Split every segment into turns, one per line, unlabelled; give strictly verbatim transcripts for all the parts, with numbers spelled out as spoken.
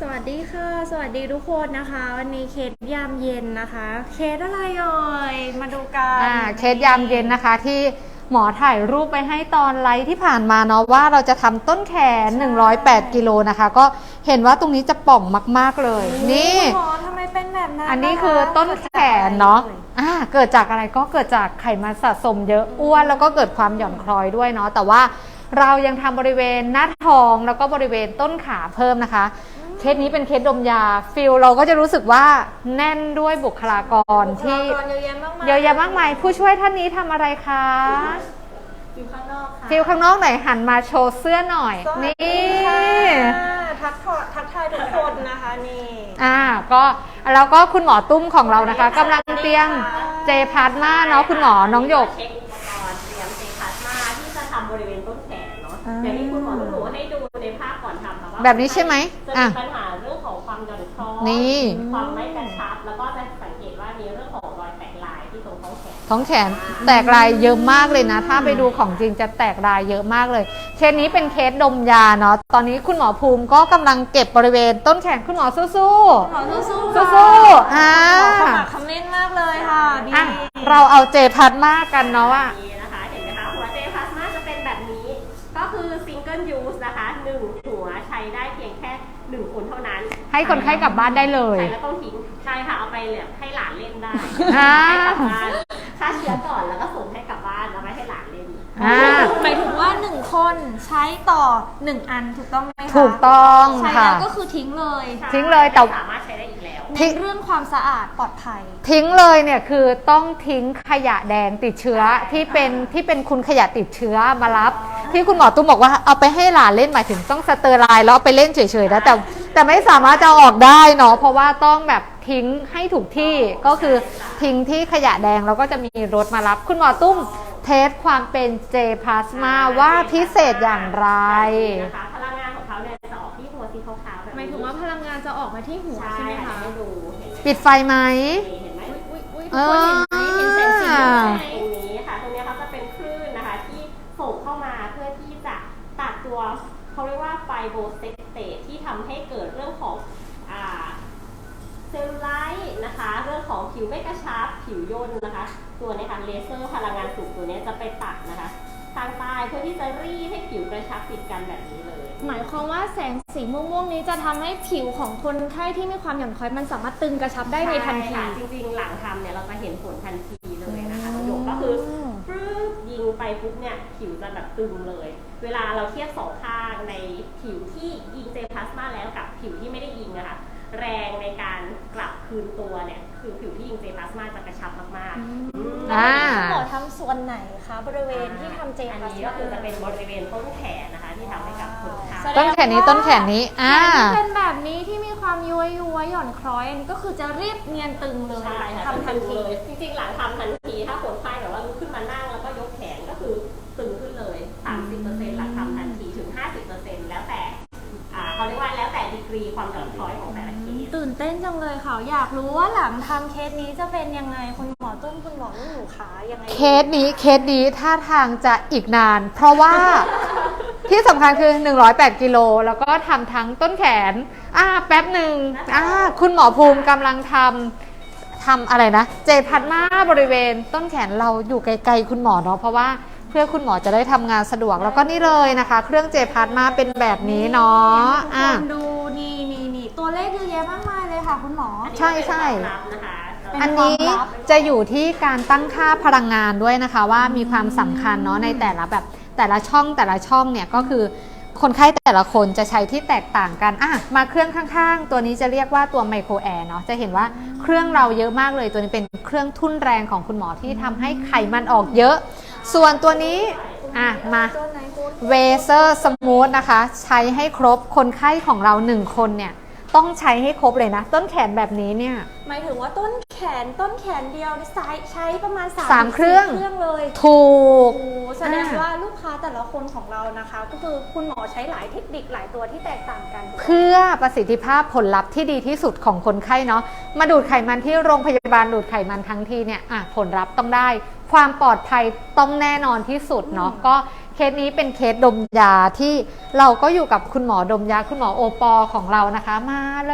สวัสดีค่ะสวัสดีทุกคนนะคะวันนี้เคสยามเย็นนะคะเคสอะไรเอ่ยมาดูกัน
อ่าเคสยามเย็นนะคะที่หมอถ่ายรูปไปให้ตอนไลฟ์ที่ผ่านมาเนาะว่าเราจะทำต้นแขนหนึ่งร้อยแปดกิโลนะคะก็เห็นว่าตรงนี้จะป่องมากๆเลยนี่
หมอทำไมเป็นแบบนั้น
อันนี้คือต้นแขนเนาะอ่าเกิดจากอะไรก็เกิดจากไขมันสะสมเยอะอ้วนแล้วก็เกิดความหย่อนคล้อยด้วยเนาะแต่ว่าเรายังทำบริเวณหน้าท้องแล้วก็บริเวณต้นขาเพิ่มนะคะเคสนี้เป็นเคสดมยาฟิลเราก็จะรู้สึกว่าแน่นด้วยบุคลากรที่
เยอะแยะมากมาย
เยอะแยะมากมายผู้ช่วยท่านนี้ทำอะไรคะ
ฟิลข้างนอกค่ะ
ฟิลข้างนอกไหนหันมาโชว์เสื้อหน่อยนี่
ทักทายทักทายทุกคนนะคะนี่
อ่าก็แล้วก็คุณหมอตุ้มของเรานะคะกำลังเตรียมเจพาร์ทมาเนาะคุณหมอน้องหยก
เช็คอุปกรณ์เตรียมเจพาร์ทมาที่จะทำบริเวณต้นแขนเนาะอย่างที่คุณหมอหนูให้ดูในภาพก่อนทำค่ะว่า
แบบนี้ใช่ไหม
จะมีปัญหาเรื่องของความหย่อนคล้อย
นี่
ความไม่กระชับแล้วก็จะสังเกตว่ามีเรื่องของรอยแตกลายที่ตรงท้องแขน
ท้องแขนแตกลายเยอะมากเลยนะถ้าไปดูของจริงจะแตกลายเยอะมากเลยเคสนี้เป็นเคสดมยาเนาะตอนนี้คุณหมอภูมิก็กำลังเก็บบริเวณต้นแขนคุณหมอสู้ๆ
หมอสู้
ๆสู้ๆอ่า
ขมักคำเล่นมากเลยค่ะดี
เราเอาเจพาร์ทมากันเนาะว่า
นะคะเห็นไหมคะหัวเจพาร์ทมาจะเป็นแบบนี้ก็คือซิงเกิลยูสนะคะหนึ่งหัวใช้ได้เพียงแค่หนึ่งคนเท่านั้น
ให้คนไข้กลับบ้านได้เลย
ใช่แล้วต้องทิ้งใช่ค่ะเอาไปเลยให้หลานเล่นได้ให้กลับบ้านฆ่าเชื้อก่อนแล้วก็ส่งให้กลับบ้านแล้วไม่ให้หลานเล่น
หมายถึงว่าหนึ่งคนใช้ต่อหนึ่งอันถูกต้องไหมคะ
ถูกต้อง
ใช้แล้วก็คือทิ้งเลย
ทิ้งเลยแต่
สามารถใช้ได้อีกแล้ว
ทิ้งเรื่องความสะอาดปลอดภัย
ทิ้งเลยเนี่ยคือต้องทิ้งขยะแดงติดเชื้อที่เป็นที่เป็นคุณขยะติดเชื้อมารับที่คุณหมอตุ้มบอกว่าเอาไปให้หลานเล่นหมายถึงต้องสเตอร์ไลน์แล้วไปเล่นเฉยๆนะแต่แต่ไม่สามารถจะออกได้เนาะเพราะว่าต้องแบบทิ้งให้ถูกที่ก็คือทิ้งที่ขยะแดงแล้วก็จะมีรถมารับคุณหมอตุ้มเทสความเป็นเจพลาสมาว่าพิเศษอย่างไร
นะคะพลังงานของเขาเนี่ยจะออกที่หัวสีขาวๆแบบนี้
หมายถึงว่าพลังงานจะออกมาที่หัวใช่ไหมคะ
ดู
ปิดไฟไหม
เห็นไหม
เออเห็นแสงสี
ตรงนี้ค่ะตรงนี้เขาจะเป็นคลื่นนะคะที่ส่งเข้ามาเพื่อที่จะตัดตัวเขาเรียกว่าไฟโบเซตเตทที่ทำให้เกิดเรื่องของอ่าเซลลูไลท์นะคะเรื่องของผิวไม่กระชับผิวย่นนะคะตัวนี้ค่ะเลเซอร์พลังงานสูงตัวนี้จะไปตัดนะคะทางใต้เพื่อที่จะรีดให้ผิวกระชับติดกันแบบนี้เลย
หมายความว่าแสงสีม่วงๆนี้จะทำให้ผิวของคนไข้ที่มีความหย่อนคล้อยมันสามารถตึงกระชับได้ในทันที
จริงๆหลังทำเนี่ยเราจะเห็นผลทันทีเลยนะคะประโยคก็คือปึ๊บยิงไปปุ๊บเนี่ยผิวจะแบบตึงเลยเวลาเราเทียบสองข้างในผิวที่ยิงเจพลาสมาแล้วกับผิวที่ไม่ได้ยิงนะคะแรงในการกลับคืนตัวเนี่ยคือผิวที่ยิงเจพลาสมาจะกระชับมาก
ๆอ่าหมอทำส่วนไหนคะบริเวณที่ทำเจพลาสมา
ก็คือจะเป็นบริเวณต้นแขนนะคะที่ทำให้กับคนไข้
ต้นแขนนี้ต้นแขนนี้อ่า
เป็นแบบนี้ที่มีความย้วยย้วยหย่อนคล้อยอันนี้ก็คือจะรีบเนียนตึงเลยทำทันที
จริงๆหลังทำทันทีถ้าคนไข้แบบว่าลุกขึ้นมานั่งแล้วก็ยกแขนก็คือตึงขึ้นเลย สามสิบเปอร์เซ็นต์ หลังทำทันทีถึง ห้าสิบเปอร์เซ็นต์ แล้วแต่เขาเรียกว่าแล้วแต่ดีกรีความหย่อนคล้อยของแต่ละเคส
ตื่นเต้นจังเลยค่ะอยากรู้ว่าหลังทำเคสนี้จะเป็นยังไงคุณหมอตุ้มคุณหมอลูกหนูขายังไง
เคสนี้เคสนี้ท่าทางจะอีกนานเพราะว่าที่สำคัญคือหนึ่งร้อยแปดกิโลแล้วก็ทำทั้งต้นแขนอ่าแป๊บหนึ่งอ่าคุณหมอภูมิกำลังทำทำอะไรนะเจพัดมาบริเวณต้นแขนเราอยู่ไกลๆคุณหมอเนาะเพราะว่าเพื่อคุณหมอจะได้ทำงานสะดวกแล้วก็นี่เลยนะคะเครื่องเจพาร์ทมาเป็นแบบนี้เนาะ
อ่ะดูนี่นี่นี่ตัวเลขเยอะแยะมากมายเลยค่ะคุณหมอ
ใช่ใช่อันนี้จะอยู่ที่การตั้งค่าพลังงานด้วยนะคะว่ามีความสำคัญเนาะในแต่ละแบบแต่ละช่องแต่ละช่องเนี่ยก็คือคนไข้แต่ละคนจะใช้ที่แตกต่างกันอ่ะมาเครื่องข้างๆตัวนี้จะเรียกว่าตัวไมโครแอร์เนาะจะเห็นว่าเครื่องเราเยอะมากเลยตัวนี้เป็นเครื่องทุ่นแรงของคุณหมอที่ทำให้ไขมันออกเยอะส่วนตัวนี้อ่ะมาเวเซอร์สมูทนะคะใช้ให้ครบคนไข้ของเราหนึ่งคนเนี่ยต้องใช้ให้ครบเลยนะต้นแขนแบบนี้เนี่ย
หมายถึงว่าต้นแขนต้นแขนเดียวใช้ใช้ประมาณ
สามเครื่อง
เครื่องเลย
ถูก
แสดงว่าลูกค้าแต่ละคนของเรานะคะก็คือคุณหมอใช้หลายเทคนิคหลายตัวที่แตกต่างกัน
เพื่อประสิทธิภาพผลลัพธ์ที่ดีที่สุดของคนไข้เนาะมาดูดไขมันที่โรงพยาบาลดูดไขมันทั้งทีเนี่ยอ่ะผลลัพธ์ต้องได้ความปลอดภัยต้องแน่นอนที่สุดเนาะก็เคสนี้เป็นเคสดมยาที่เราก็อยู่กับคุณหมอดมยาคุณหมอโอปอของเรานะคะมาเลย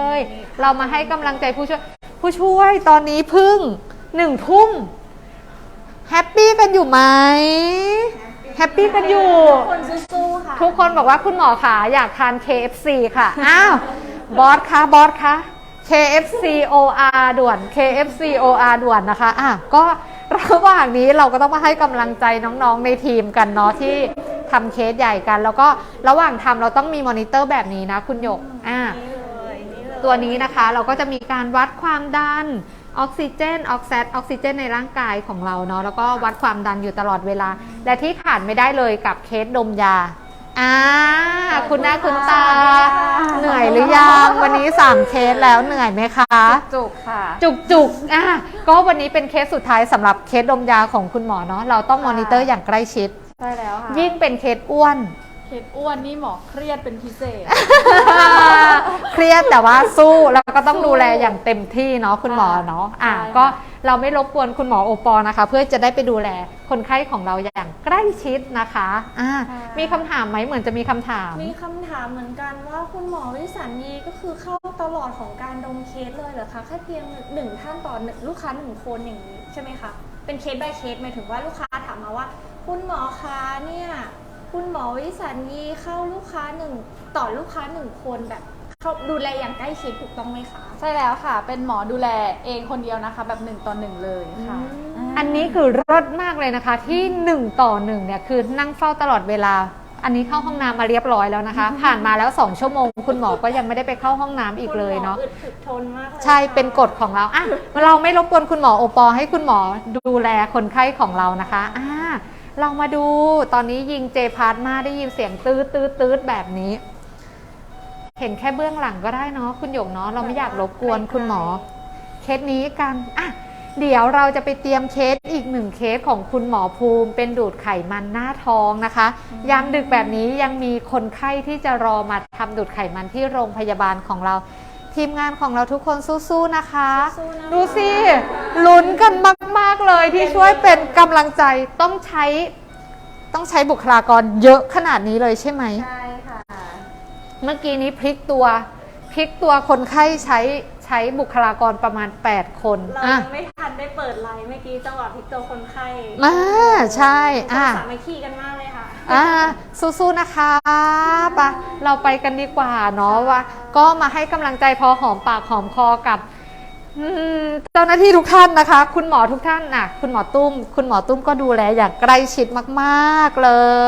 เรามาให้กำลังใจผู้ช่วยผู้ช่วยตอนนี้เพึ่งหนึ่งทุ่มแฮปปี้กันอยู่ไหมแฮปปี้กันอยู่
คนสู้ๆค่ะ
ทุกคนบอกว่าคุณหมอขาอยากทาน เค เอฟ ซี ค่ะ อ้าว บอสคะบอสคะ เค เอฟ ซี โอ อาร์ ด่วน เค เอฟ ซี โอ อาร์ ด่วนนะคะอ่ะก็ระหว่างนี้เราก็ต้องมาให้กำลังใจน้องๆในทีมกันเนาะที่ทำเคสใหญ่กัน แล้วก็ระหว่างทำเราต้องมีมอนิเตอร์แบบนี้นะคุณหยกอ่ะ
นี่เลยนี่เลย
ตัวนี้นะคะเราก็จะมีการวัดความดันออกซิเจนออกซิออกซิเจนในร่างกายของเราเนาะแล้วก็วัดความดันอยู่ตลอดเวลาและที่ขาดไม่ได้เลยกับเคสดมยาอ่าคุณหน้าคุณตาเหนื่อยหรือยังวันนี้สามเคสแล้วเหนื่อยไหมคะ
จุกค่ะ
จุกจุกอ่ะก็วันนี้เป็นเคสสุดท้ายสำหรับเคสดมยาของคุณหมอเนาะเราต้องมอนิเตอร์อย่างใกล้ชิด
ใช่แล้วค่ะ
ยิ่งเป็นเคสอ้วน
เคสอ้วนนี่หมอเครียดเป็นพิเศษ
เครียดแต่ว่าสู้แล้วก็ต้องดูแลอย่างเต็มที่เนาะคุณหมอเนาะอ่ะ
ใช่ค่ะ
ก็เราไม่รบกวนคุณหมอโอปอนะคะ เพื่อจะได้ไปดูแลคนไข้ของเราอย่างใกล้ชิดนะคะอ่ะมีคำถามไหมเหมือนจะมีคำถาม
มีคำถามเหมือนกันว่าคุณหมอวิสัญญีก็คือเข้าตลอดของการดมเคสเลยเหรอคะแค่เพียงหนึ่งท่านต่อหนึ่งลูกค้าหนึ่งคนอย่างนี้ใช่ไหมคะเป็นเคส by เคสหมายถึงว่าลูกค้าถามมาว่า คุณหมอคะเนี่ยคุณหมอวิสัญญีเข้าลูกค้าหนึ่งต่อลูกค้าหนึ่งคนแบบเขาดูแลอย่างใกล้ชิดถูกต้องไหมคะ
ใช่แล้วค่ะ เป็นหมอดูแลเองคนเดียวนะคะ แบบหนึ่งต่อหนึ่งเลยค่ะ
อันนี้คือรสมากเลยนะคะที่หนึ่งต่อหนึ่งเนี่ยคือนั่งเฝ้าตลอดเวลา อันนี้เข้าห้องน้ำมาเรียบร้อยแล้วนะคะ ผ่านมาแล้วสองชั่วโมงคุณหมอก็ยังไม่ได้ไปเข้าห้องน้ำอีกเลยเนาะ
คุณหมออึดถึกทนมากเลย
ใช่เป็นกฎของเราอ่ะเราไม่รบกวนคุณหมอโอปอให้คุณหมอดูแลคนไข้ของเรานะคะอ่าเรามาดูตอนนี้ยิงเจพาร์ทมาได้ยินเสียงตืดตืดตืดแบบนี้ เห็นแค่เบื้องหลังก็ได้เนาะคุณหยกเนาะเราไม่อยากรบกวนคุณหมอเคสนี้กันอ่ะเดี๋ยวเราจะไปเตรียมเคสอีกหนึ่งเคสของคุณหมอภูมิเป็นดูดไขมันหน้าท้องนะคะยามดึกแบบนี้ยังมีคนไข้ที่จะรอมาทำดูดไขมันที่โรงพยาบาลของเราทีมงานของเราทุกคนสู้ๆนะคะ
สู้ๆนะคะ
ดูสิลุ้นกันมากๆเลยที่ช่วยเป็นกำลังใจต้องใช้ต้องใช้บุคลากรเยอะขนาดนี้เลยใช่ไหม
ใช่ค่ะ
เมื่อกี้นี้พลิกตัวพลิกตัวคนไข้ใช้ใช้บุคลากรประมาณแปดคน
เรา
อ่ะ
ยังไม่ทันได้เปิดไลน์เมื่อกี้จังหวะพลิกตัวคนไข้
มาใช่อ่ะ
สามัคคีกันมากเลยค่ะ
อ่าสู้ๆนะคะปะเราไปกันดีกว่าเนาะว่า ก็มาให้กำลังใจพอหอมปากหอมคอกับอืมเจ้าหน้าที่ทุกท่านนะคะ คุณหมอทุกท่านน่ะคุณหมอตุ้ม คุณหมอตุ้มก็ดูแลอย่างใกล้ชิดมากๆเลย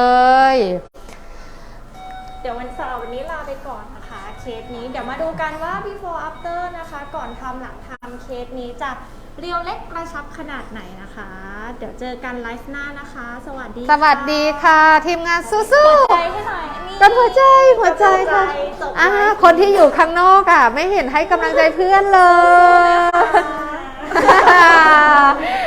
เดี๋ยววันเสาร์วันนี้ลาไปก่อนนะคะ เคสนี้เดี๋ยวมาดูกันว่า before after นะคะ ก่อนทำหลังทำเคสนี้จะเรียวเล็กกระชับขนาดไหนนะคะ เดี๋ยวเจอกันไลฟ์หน้านะคะ สวัสดี
สวัสดีค่ะ ทีมงานสู้
หัวใจ
ๆ
ให้หน่อยนี่
กันหัวใจหัวใจค่ะ
จบไลฟ์
อ่าคนที่อยู่ข้างนอกอ่ะ ไม่เห็นให้กำลังใจเพื่อนเลย
ค่ะ